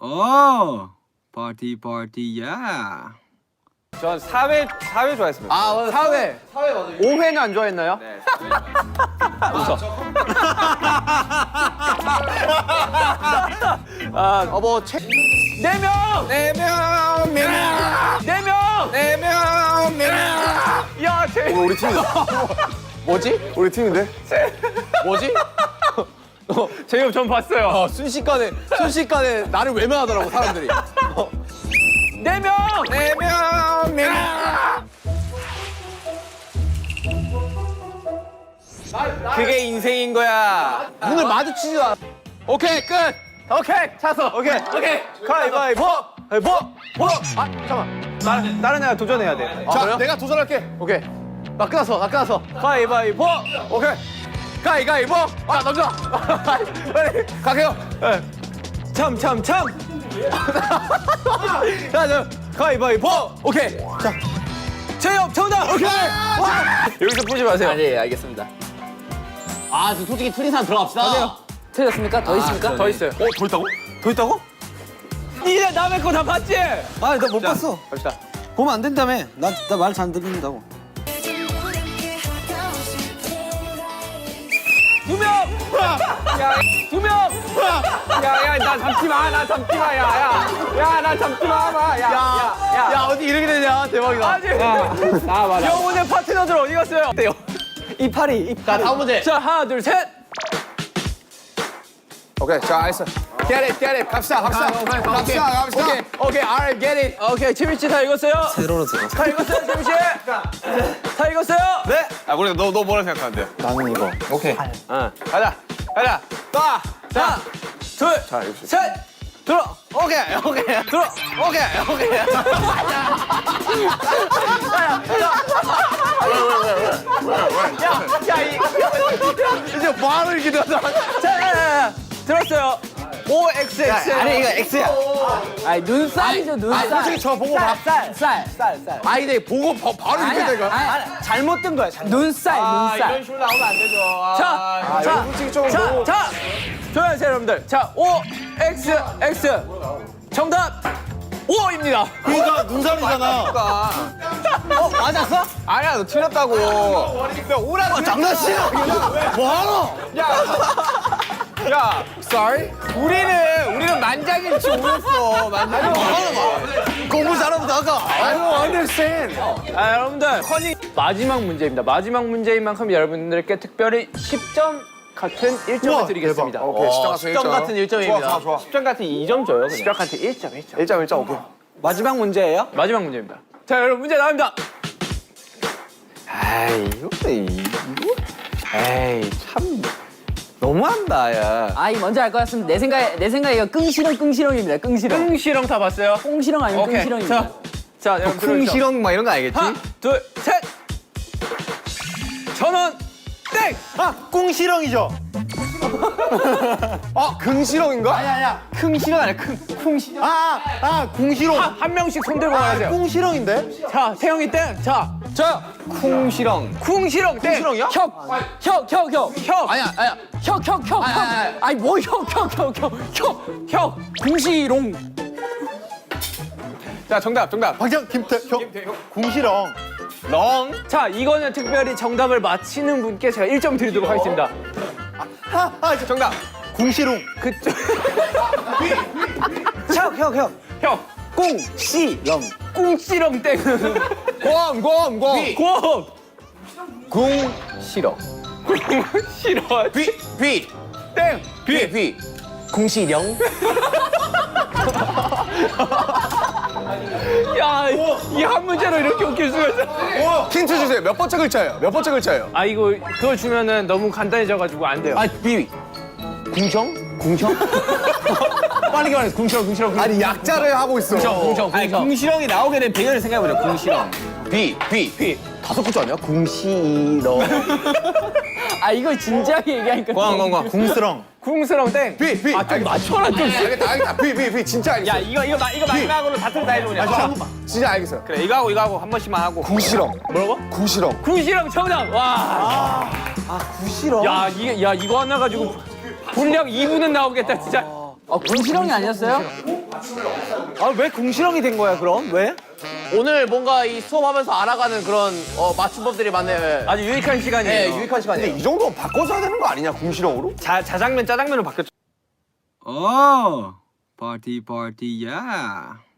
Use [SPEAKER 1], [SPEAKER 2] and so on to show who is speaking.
[SPEAKER 1] 파티 파티야.
[SPEAKER 2] 전 4회 좋아했습니다.
[SPEAKER 3] 아, 맞아. 4회. 4회 맞아요. 5회는 안 좋아했나요?
[SPEAKER 2] 네.
[SPEAKER 3] 웃어. 아, 뭐, 4명!
[SPEAKER 2] 4명, 명.
[SPEAKER 3] 4명!
[SPEAKER 2] 4명, 명.
[SPEAKER 3] 야,
[SPEAKER 4] 우리 팀이다.
[SPEAKER 3] 뭐지?
[SPEAKER 4] 우리 팀인데?
[SPEAKER 3] 뭐지? 제이홉 전 봤어요. 순식간에 나를 외면하더라고, 사람들이. 4명!
[SPEAKER 2] 4명, 명. 그게 인생인 거야.
[SPEAKER 3] 눈을 마주치지도 않아. 오케이, 끝! 오케이, 찼어. 오케이.
[SPEAKER 2] 가위바위보. 보.
[SPEAKER 3] 아, 잠깐만.
[SPEAKER 2] 다른 애가 도전해야 돼.
[SPEAKER 3] 자, 그래요?
[SPEAKER 4] 내가 도전할게.
[SPEAKER 3] 오케이. 나 끝났어.
[SPEAKER 2] 가위바위보.
[SPEAKER 3] 오케이. 가위바위보. 아, 남자. 빨리 가게요.
[SPEAKER 2] 참.
[SPEAKER 3] 자, 가위바위보. 오케이. 자, 제이홉 정답. 오케이.
[SPEAKER 2] 여기서 보지 마세요.
[SPEAKER 3] 네, 알겠습니다. 아, 지금 솔직히 틀린 사람 들어갑시다. 틀렸습니까? 더 있습니까?
[SPEAKER 2] 더 있어요.
[SPEAKER 4] 더 있다고?
[SPEAKER 2] 더 있다고? 니네 남의 거 다 봤지?
[SPEAKER 1] 아, 나 못 봤어.
[SPEAKER 2] 갑시다.
[SPEAKER 1] 보면 안 된다며. 나 말 잘 안 듣는다고.
[SPEAKER 2] 2명! 야, 2명! 야, 나 잡지 마, 야, 나 잡지 마,
[SPEAKER 3] 야, 어디 이렇게 되냐? 대박이다.
[SPEAKER 2] 아직! 나와봐. 영혼의 파트너들 어디 갔어요? 어때요? 이파리.
[SPEAKER 3] 자, 다음 문제.
[SPEAKER 2] 자, 하나, 둘, 셋!
[SPEAKER 4] 오케이, 자, 알겠어. Get it. 갑시다.
[SPEAKER 3] 오케이, alright, get it.
[SPEAKER 2] 오케이, 지민 씨 다 읽었어요?
[SPEAKER 1] 세로로 들어.
[SPEAKER 2] 다 읽었어요, 지민 씨? 다 읽었어요?
[SPEAKER 4] 네? 아, 우리 너 뭐라 생각하는데?
[SPEAKER 1] 나는 이거.
[SPEAKER 4] 오케이.
[SPEAKER 2] 가자. 자, 둘, 셋! 들어! 오케이. 들어! 오케이.
[SPEAKER 3] 이제 뭐하러 이렇게 되었어?
[SPEAKER 2] 자, 들었어요. OXX.
[SPEAKER 1] 아니, 이거 X야.
[SPEAKER 5] 아니 눈살이죠 눈살.
[SPEAKER 4] 솔직히 저 보고 봐.
[SPEAKER 5] 쌀.
[SPEAKER 3] 아니, 내 보고 바로 이렇게 되니까.
[SPEAKER 2] 잘못 든 거야,
[SPEAKER 5] 눈살 눈살.
[SPEAKER 2] 식으로 나오면 안 되죠.
[SPEAKER 4] 자, 솔직히 좀 보고.
[SPEAKER 2] 자, 조용하세요, 여러분들. 자, OXX. 정답 5입니다.
[SPEAKER 4] 그러니까 눈살이잖아.
[SPEAKER 2] 맞았어? 아니야, 너 틀렸다고.
[SPEAKER 4] 장난치나? 뭐하노?
[SPEAKER 2] 야, sorry. 우리는 만장일치 오였어.
[SPEAKER 4] 공부 잘하면 아까.
[SPEAKER 2] I don't understand. 아, 여러분들, 마지막 문제입니다. 마지막 문제인 만큼 여러분들께 특별히 10점 같은 1점을 드리겠습니다.
[SPEAKER 4] 대박. 오케이, 10점
[SPEAKER 3] 같은 1점입니다.
[SPEAKER 4] 좋아.
[SPEAKER 2] 10점 같은 2점 줘요. 10점 같은 1점.
[SPEAKER 4] 1점, 오케이.
[SPEAKER 1] 마지막 문제예요?
[SPEAKER 2] 마지막 문제입니다. 자, 여러분 문제 나옵니다. 에이, 참 너무한다, 야.
[SPEAKER 5] 아이 뭔지 알 것 같습니다. 내 생각에 이거 끙시렁입니다. 끙시렁.
[SPEAKER 2] 꿍시렁 다 봤어요?
[SPEAKER 5] 꽁시렁 아니면
[SPEAKER 2] 오케이.
[SPEAKER 5] 끙시렁입니다.
[SPEAKER 2] 자, 여러분 들어주시죠.
[SPEAKER 4] 쿵시렁 막 이런 거 알겠지?
[SPEAKER 2] 하나, 둘, 셋. 1,000원 땡.
[SPEAKER 4] 꿍시렁이죠? 긍시렁인가?
[SPEAKER 3] 아니야.
[SPEAKER 2] 쿵시렁 아니야, 쿵시렁.
[SPEAKER 4] 궁시렁.
[SPEAKER 2] 한 명씩 손 들고 가세요.
[SPEAKER 4] 꿍시렁인데?
[SPEAKER 2] 자, 태영이 땡. 자,
[SPEAKER 4] 쿵시렁.
[SPEAKER 2] 쿵시렁 땡.
[SPEAKER 4] 쿵시렁이야?
[SPEAKER 5] 혁.
[SPEAKER 3] 아니야.
[SPEAKER 5] 혁. 아니 뭐 혁. 궁시롱.
[SPEAKER 2] 자, 정답.
[SPEAKER 4] 박정, 김태형. 궁시렁.
[SPEAKER 2] 렁. 자, 이거는 특별히 정답을 맞히는 분께 제가 1점 드리도록 하겠습니다. 정답.
[SPEAKER 4] 궁시렁.
[SPEAKER 2] 그쪽.
[SPEAKER 1] 형.
[SPEAKER 2] 형.
[SPEAKER 1] 꽁시렁.
[SPEAKER 2] 꿍시렁 땡.
[SPEAKER 4] 곰.
[SPEAKER 2] 곰.
[SPEAKER 4] 궁시렁.
[SPEAKER 2] 싫어.
[SPEAKER 4] 비.
[SPEAKER 2] 땡.
[SPEAKER 4] 비. 궁시렁.
[SPEAKER 2] 야, 이 한 문제로 이렇게 웃길 수가 있어.
[SPEAKER 4] 힌트 주세요. 몇 번째 글자예요?
[SPEAKER 2] 아, 이거 그걸 주면은 너무 간단해져가지고 안 돼요.
[SPEAKER 3] 비. 궁정? 빨리 말해. 궁시렁.
[SPEAKER 4] 아니, 약자를 하고 있어.
[SPEAKER 3] 궁정.
[SPEAKER 1] 궁시렁이 나오게 된 배경을 생각해보자. 궁시렁.
[SPEAKER 4] 비.
[SPEAKER 3] 5글자 아니야? 궁시렁.
[SPEAKER 5] 아 이거 진지하게 얘기하니까.
[SPEAKER 4] 궁스렁.
[SPEAKER 2] 궁스렁 땡.
[SPEAKER 4] 비.
[SPEAKER 2] 아, 좀 맞춰라 좀.
[SPEAKER 4] 알겠다. 비. 진짜 알겠어.
[SPEAKER 2] 야, 이거 마지막으로 다 틀다 해줘 그냥.
[SPEAKER 4] 진짜 알겠어요.
[SPEAKER 2] 그래, 이거 하고 한 번씩만 하고.
[SPEAKER 4] 궁시렁.
[SPEAKER 2] 뭐라고?
[SPEAKER 4] 궁시렁.
[SPEAKER 2] 궁시렁 정답. 와.
[SPEAKER 1] 궁시렁?
[SPEAKER 2] 야, 이거 하나 가지고 분량 2분은 나오겠다 진짜.
[SPEAKER 5] 궁시렁이 아니었어요?
[SPEAKER 1] 아 왜 궁시렁이 된 거야 그럼? 왜?
[SPEAKER 3] 오늘 뭔가 이 수업하면서 알아가는 그런 맞춤법들이 많네요.
[SPEAKER 2] 아주 유익한 시간이에요.
[SPEAKER 3] 네, 유익한 시간이에요.
[SPEAKER 4] 근데 이 정도면 바꿔줘야 되는 거 아니냐, 궁시렁으로?
[SPEAKER 2] 자장면 짜장면으로 바뀌었죠.
[SPEAKER 6] Oh, party, party, yeah.